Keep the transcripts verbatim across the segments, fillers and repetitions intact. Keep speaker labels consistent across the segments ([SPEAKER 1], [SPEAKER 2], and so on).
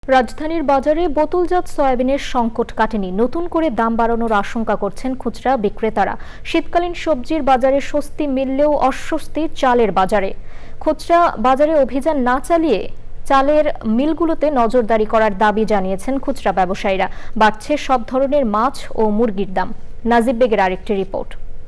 [SPEAKER 1] রাজধানীর বাজারে বোতলজাত সয়াবিনের সংকট কাটেনি, নতুন করে দাম বাড়ানোর আশঙ্কা করছেন খুচরা বিক্রেতারা। শীতকালীন সবজির বাজারে স্বস্তি মিললেও অস্বস্তি চালের বাজারে। খুচরা বাজারে অভিযান না চালিয়ে চালের মিলগুলোতে নজরদারি করার দাবি জানিয়েছেন খুচরা ব্যবসায়ীরা। বাড়ছে সব ধরনের মাছ ও মুরগির দাম। নাজিব বেগের আরেকটি রিপোর্ট।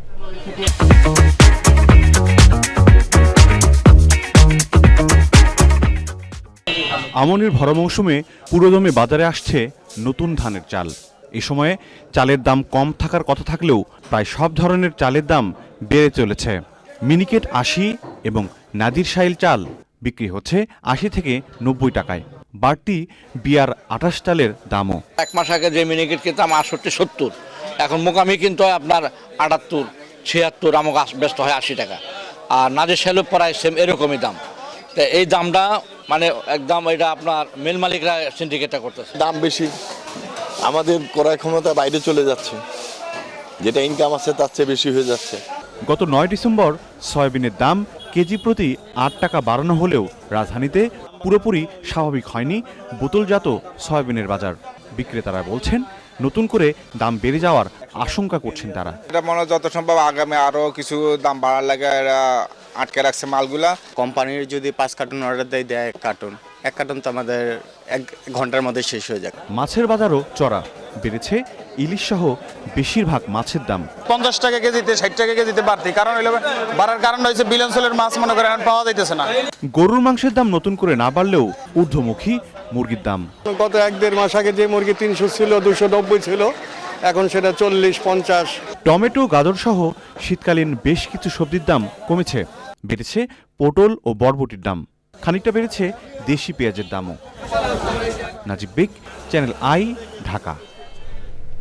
[SPEAKER 2] আমনের ভরা মৌসুমে পুরোদমে বাজারে আসছে নতুন ধানের চাল। এ সময়ে চালের দাম কম থাকার কথা থাকলেও প্রায় সব ধরনের চালের দাম বেড়ে চলেছে। মিনিকেট আশি এবং নাদির শাইল চাল বিক্রি হচ্ছে আশি থেকে নব্বই টাকায়। বাড়তি বিয়ার আঠাশ চালের দামও।
[SPEAKER 3] এক মাস আগে যে মিনিকেট কিনতাম আটষট্টি সত্তর, এখন মোকামি কিন্তু হয় আপনার আটাত্তর ছিয়াত্তর, আমাকে ব্যস্ত হয় আশি টাকা। আর নাদির শাইলও প্রায় সেম এরকমই দাম। তো এই দামটা মানে একদম এটা আপনার মিল মালিকরা সিন্ডিকেটটা করতেছে।
[SPEAKER 4] দাম বেশি, আমাদের ক্রয় ক্ষমতা বাইরে চলে যাচ্ছে, যেটা ইনকাম আছে তার চেয়ে বেশি হয়ে যাচ্ছে।
[SPEAKER 2] গত নয় ডিসেম্বর সয়াবিনের দাম কেজি প্রতি আট টাকা বাড়ানো হলেও রাজধানীতে পুরোপুরি স্বাভাবিক হয়নি বোতলজাত সয়াবিনের বাজার। বিক্রেতারা বলছেন নতুন করে দাম বেড়ে যাওয়ার আশঙ্কা করছেন তারা।
[SPEAKER 5] এটা মনে হয় যত সম্ভব আগামী আরো কিছু দাম বাড়ার লাগে এরা আটকে রাখছে মালগুলা।
[SPEAKER 6] কোম্পানির যদি পাঁচ কার্টুন অর্ডার দেয় দেয় এক কার্টুন এক কার্টুন তো আমাদের এক ঘন্টার মধ্যে শেষ হয়ে যায়।
[SPEAKER 2] মাছের বাজারও চড়া, বেড়েছে ইলিশ সহ বেশিরভাগ মাছের দাম।
[SPEAKER 7] পঞ্চাশ টাকা কেজিতে ষাট টাকা কেজিতে বাড়তি কারণ হলো বাড়ার কারণ হয়েছে বিলঞ্চলের মাছ মনে করেন পাওয়া যাইতেছে না।
[SPEAKER 2] গরুর মাংসের দাম নতুন করে না বাড়লেও ঊর্ধ্বমুখী মুরগির দাম।
[SPEAKER 8] গত এক দেড় মাস আগে যে মুরগি তিনশো ছিল দুশো নব্বই ছিল, এখন সেটা চল্লিশ পঞ্চাশ।
[SPEAKER 2] টমেটো গাজর সহ শীতকালীন বেশ কিছু সবজির দাম কমেছে। বেড়েছে পটল ও বরবটির দাম, খানিকটা বেড়েছে দেশি পেঁয়াজের দামও। Najib Baig, channel I, Dhaka.